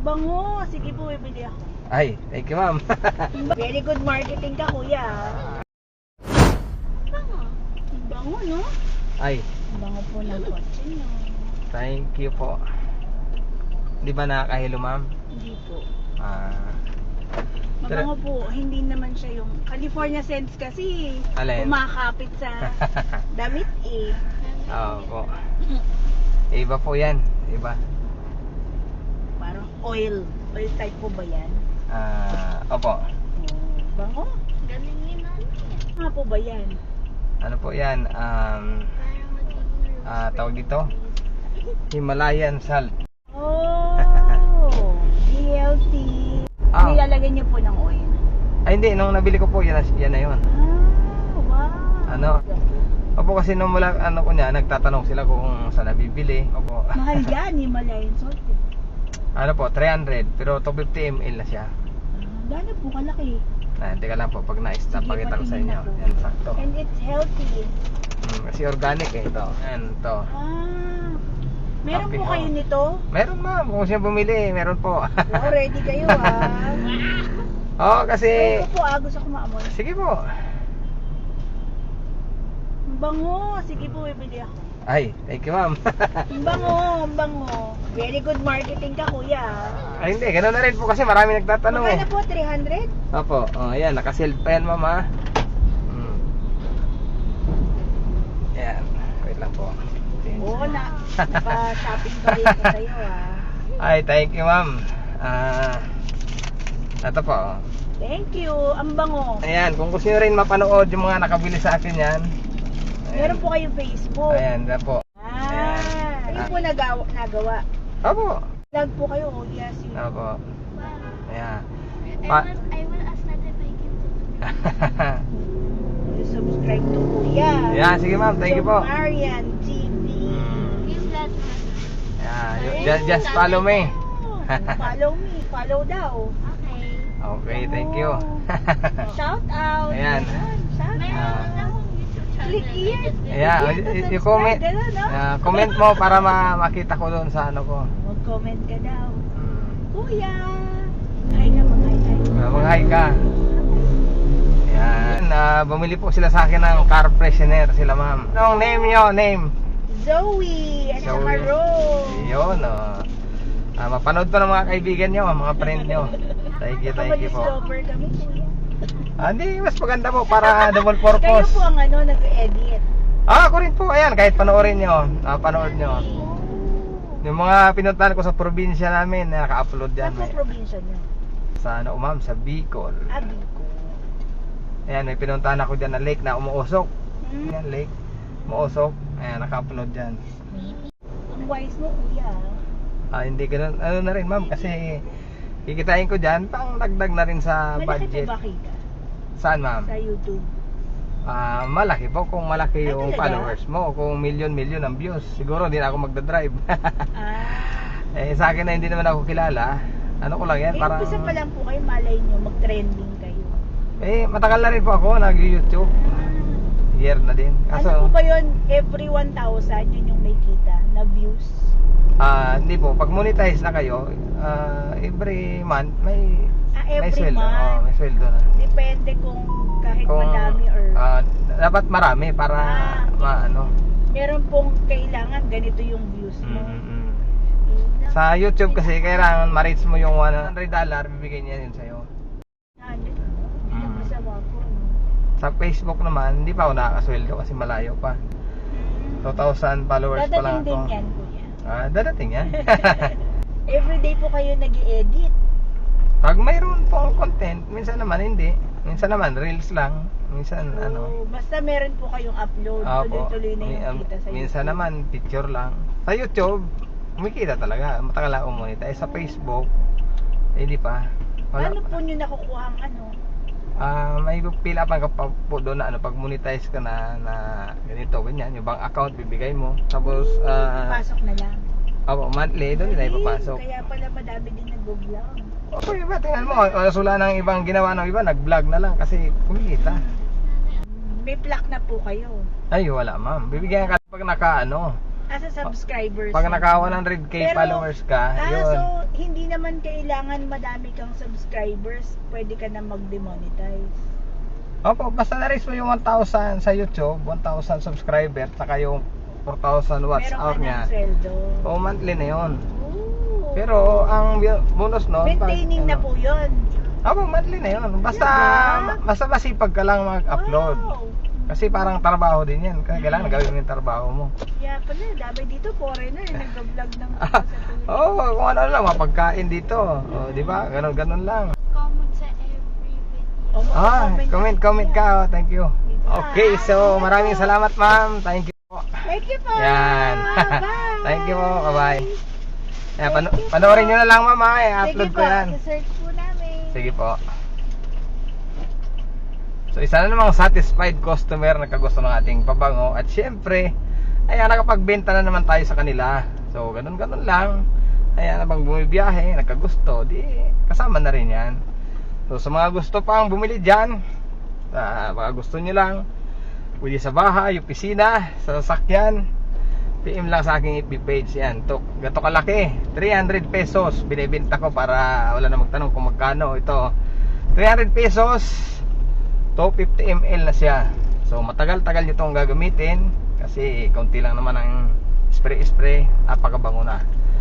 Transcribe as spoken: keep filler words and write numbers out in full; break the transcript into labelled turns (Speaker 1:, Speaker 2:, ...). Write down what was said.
Speaker 1: Bango. Sige po, bibili ako.
Speaker 2: Ay, thank you ma'am.
Speaker 1: Very good marketing ka, kuya. Bango. Bango, no?
Speaker 2: Ay,
Speaker 1: Bango po ng kotse, no?
Speaker 2: thank you po. Di ba nakakahilo ma'am?
Speaker 1: Hindi po.
Speaker 2: Ah,
Speaker 1: Mabango po. Hindi naman siya yung California scents kasi.
Speaker 2: Alin?
Speaker 1: Kumakapit sa damit eh.
Speaker 2: oo po. Iba po yan. Iba.
Speaker 1: Parang oil. Oil type po ba yan?
Speaker 2: Ah, opo.
Speaker 1: Oh, bango.
Speaker 3: Galing yun ano eh.
Speaker 1: Nga po ba yan?
Speaker 2: Ano po yan? Um,
Speaker 3: Parang magiging
Speaker 2: ah, tawag dito? Himalayan salt.
Speaker 1: Oh, healthy.
Speaker 2: Ah.
Speaker 1: Nilalagyan niyo po ng oil.
Speaker 2: Ay hindi, nung nabili ko po, yan, na- yan na yun.
Speaker 1: Ah, wow.
Speaker 2: Ano? Opo, kasi nung mula, ano ko niya, nagtatanong sila kung saan nabibili. Opo.
Speaker 1: Mahal yan, Himalayan salt. eh.
Speaker 2: Ano po, three hundred, pero two hundred fifty milliliters na siya.
Speaker 1: Ah, gano'n po kalaki.
Speaker 2: Ah, teka lang po, pag na-stop,
Speaker 1: Sige,
Speaker 2: pakita ko sa
Speaker 1: patingin
Speaker 2: inyo.
Speaker 1: ako.
Speaker 2: Yan, sakto.
Speaker 1: And it's healthy.
Speaker 2: Hmm, kasi organic eh, ito. Yan, ito.
Speaker 1: Ah, meron
Speaker 2: Happy
Speaker 1: po
Speaker 2: Home.
Speaker 1: kayo nito?
Speaker 2: Meron ma'am, kung siya bumili, meron po.
Speaker 1: Wow, ready kayo ah.
Speaker 2: Oo, kasi...
Speaker 1: Ito po ah, gusto ko maamoy.
Speaker 2: Sige po.
Speaker 1: Ang bango. Sige po, bibili ako.
Speaker 2: Ay, thank you ma'am.
Speaker 1: Ang bango, ang bango. Very good marketing ka, kuya.
Speaker 2: Ay hindi, ganoon na rin po kasi marami nagtatanong eh.
Speaker 1: Magkano po? three hundred?
Speaker 2: Opo, oh, ayan, naka-sealed pa yan ma'am ha. Hmm. Ayan, wait lang po.
Speaker 1: Oo, na, naka-shopping pa rin ko sa'yo ah.
Speaker 2: Ay, thank you ma'am. Ah, ito po. oh.
Speaker 1: Thank you. Ang bango.
Speaker 2: Ayan, kung gusto nyo rin mapanood yung mga nakabili sa akin yan.
Speaker 1: Meron po kayong Facebook.
Speaker 2: Ayan, yan po.
Speaker 1: Ah, ayun po nagawa, nagawa.
Speaker 2: Opo.
Speaker 1: Vlog po kayo, oh, yes. Yun.
Speaker 2: Opo.
Speaker 3: wow.
Speaker 2: Ayan.
Speaker 3: I
Speaker 2: Pa-
Speaker 3: will, I will ask that if I can
Speaker 1: You subscribe to Kuya.
Speaker 2: Ayan, sige ma'am, thank you po.
Speaker 1: Marian T V.
Speaker 2: Mm.
Speaker 3: give that one.
Speaker 2: Ayan, you- just, just follow me.
Speaker 1: Oh, follow me. Follow daw.
Speaker 3: Okay.
Speaker 2: Okay, thank you.
Speaker 1: Shout out.
Speaker 2: Ayan.
Speaker 1: Shout
Speaker 3: Meron
Speaker 1: out.
Speaker 3: na akong YouTube channel.
Speaker 1: Click here.
Speaker 2: Ayan,
Speaker 1: Click to
Speaker 2: y- y-
Speaker 1: subscribe,
Speaker 2: comment,
Speaker 1: gano'n, no?
Speaker 2: ah, comment mo para ma makita ko doon sa ano ko.
Speaker 1: Mag-comment ka daw.
Speaker 2: Mm.
Speaker 1: Kuya. Hi ka, mag-hi, hi.
Speaker 2: Ah, Mag-hi ka. Ayan, ah, bumili po sila sa akin ng car freshener sila ma'am. Anong name nyo? Name?
Speaker 1: Zoe. At
Speaker 2: Zoe.
Speaker 1: saka Rose.
Speaker 2: Yun, oh. Ah, mapanood to ng mga kaibigan nyo, mga friend nyo. Thank you, thank you po.
Speaker 1: Nakapag-discover kami, kuya.
Speaker 2: Ah, hindi, mas maganda po para double
Speaker 1: Kayo
Speaker 2: purpose.
Speaker 1: po ang ano, nag-edit.
Speaker 2: Ah, ako rin po, ayan, kahit panoorin nyo, ah, panood nyo. Yung mga pinuntahan ko sa probinsya namin, naka-upload
Speaker 1: Saan
Speaker 2: yan.
Speaker 1: po
Speaker 2: May,
Speaker 1: probinsya niyo?
Speaker 2: sa ano, ma'am, sa Bicol.
Speaker 1: Abi ko.
Speaker 2: Ayan, may pinuntahan ako dyan na lake na umuusok.
Speaker 1: Hmm.
Speaker 2: Ayan, lake, umuusok. Ayan, naka-upload dyan.
Speaker 1: Ang wise mo, kuya.
Speaker 2: Ah, hindi ganun, ano na rin, ma'am, kasi kikitain ko dyan, pang dagdag na rin sa
Speaker 1: Malaki
Speaker 2: budget.
Speaker 1: po ba kita
Speaker 2: Saan, ma'am?
Speaker 1: sa YouTube?
Speaker 2: Ah, malaki po kung malaki
Speaker 1: Ay,
Speaker 2: yung
Speaker 1: talaga?
Speaker 2: followers mo, kung million-million ang views. Siguro hindi na ako magdadrive.
Speaker 1: Ah.
Speaker 2: Eh, sa akin na hindi naman ako kilala. Ano ko lang yan,
Speaker 1: Eh,
Speaker 2: parang...
Speaker 1: umpisa pa lang po kayo, malay nyo, mag-trending kayo.
Speaker 2: Eh, matagal na rin po ako nag-YouTube. Year na din.
Speaker 1: Ano
Speaker 2: Kaso,
Speaker 1: po ba yun? Every one thousand, yun yung may kita na views?
Speaker 2: ah, hindi po. Pag monetize na kayo, ah, every month, may...
Speaker 1: Ah,
Speaker 2: may
Speaker 1: every
Speaker 2: sweldo.
Speaker 1: month.
Speaker 2: Oo, may sweldo na.
Speaker 1: Depende kung kahit
Speaker 2: Kung,
Speaker 1: madami or...
Speaker 2: ah, dapat marami para,
Speaker 1: Ah.
Speaker 2: maano.
Speaker 1: meron pong kailangan ganito yung views
Speaker 2: Mm,
Speaker 1: mo.
Speaker 2: mm, mm. Sa YouTube kasi, kailangan ma-reach mo yung one hundred dollar, bibigay niya yun sa'yo.
Speaker 1: Ano? Hindi
Speaker 2: Mm.
Speaker 1: masama po. no?
Speaker 2: Sa Facebook naman, hindi pa ako nakakasweldo kasi malayo pa. two thousand followers pa lang
Speaker 1: Dadating
Speaker 2: ako.
Speaker 1: din yan, kuya.
Speaker 2: Ah, dadating yan.
Speaker 1: Everyday po kayo nag-i-edit.
Speaker 2: Pag mayroon pong content, minsan naman hindi. Minsan naman reels lang. Minsan ano.
Speaker 1: So, basta meron po kayong upload,
Speaker 2: Opo.
Speaker 1: tuloy-tuloy na yung
Speaker 2: Mi- um,
Speaker 1: kita sa
Speaker 2: minsan
Speaker 1: YouTube.
Speaker 2: naman picture lang. Sa YouTube, kumikita talaga. Matagal ako monetize. Sa Facebook, eh, hindi pa. Wala.
Speaker 1: Paano po nyo nakukuha ang ano?
Speaker 2: Ah, may pila pa ka pa po doon na ano pag monetize ka na na ganito ganyan, yung bank account bibigay mo. Tapos ah
Speaker 1: Pasok na lang.
Speaker 2: opo, monthly doon nila ipapasok.
Speaker 1: Kaya pala madami din nag-vlog.
Speaker 2: Opo, iba tingnan mo, wala sula ng ibang ginawa ng iba, nag-vlog na lang kasi kumikita.
Speaker 1: May plaque na po kayo.
Speaker 2: Ay, wala ma'am. Bibigyan ka pag naka ano.
Speaker 1: As a subscribers.
Speaker 2: Pag naka one hundred K
Speaker 1: Pero,
Speaker 2: followers ka,
Speaker 1: Ah,
Speaker 2: yun.
Speaker 1: so hindi naman kailangan madami kang subscribers, pwede ka na mag-demonetize.
Speaker 2: Opo, basta na-reach mo yung one thousand sa YouTube, one thousand subscriber, saka yung four thousand watts
Speaker 1: Meron
Speaker 2: hour
Speaker 1: ka ng
Speaker 2: niya.
Speaker 1: sweldo.
Speaker 2: O monthly na yun.
Speaker 1: Ooh.
Speaker 2: Pero ang bi- bonus no,
Speaker 1: Maintaining na po yun.
Speaker 2: Opo, monthly na yun. Basta
Speaker 1: Diba?
Speaker 2: basta masipag ka lang mag-upload.
Speaker 1: Wow.
Speaker 2: Kasi parang trabaho din yan. Kaya kailangan gawin mo yung trabaho mo.
Speaker 1: Kaya pala, dami dito, foreigner, nag-vlog ng
Speaker 2: Ah,
Speaker 1: sa tuloy.
Speaker 2: Oo, oh, kung ano lang, mapagkain dito. O, di ba? Ganon, ganon lang.
Speaker 3: Comment sa every video.
Speaker 1: Oh,
Speaker 2: Ah, comment, comment ka. Oh, thank you.
Speaker 1: Dito.
Speaker 2: Okay, so maraming salamat ma'am. Thank you po.
Speaker 1: Thank you po.
Speaker 2: Yan.
Speaker 1: Bye.
Speaker 2: Thank you po. Bye-bye. Yan, pano- panoorin nyo na lang ma'am ha. I-upload
Speaker 1: Sige
Speaker 2: ko yan.
Speaker 1: po, search po namin.
Speaker 2: Sige po. So isa na namang satisfied customer na kagusto ng ating pabango. At syempre, ayan, nakapagbenta na naman tayo sa kanila. So ganun-ganun lang. Ayan, habang bumibiyahe, nagkagusto, di kasama na rin yan. So sa mga gusto pang bumili dyan, uh, baka gusto nyo lang, pwede sa bahay, opisina, sa sasakyan, P M lang sa aking F B page. Yan, to, gato kalaki, three hundred pesos binibenta ko para wala na magtanong kung magkano ito. Three hundred pesos, two fifty milliliters na siya. So matagal-tagal nyo itong gagamitin kasi konti lang naman ang spray-spray, napakabango na.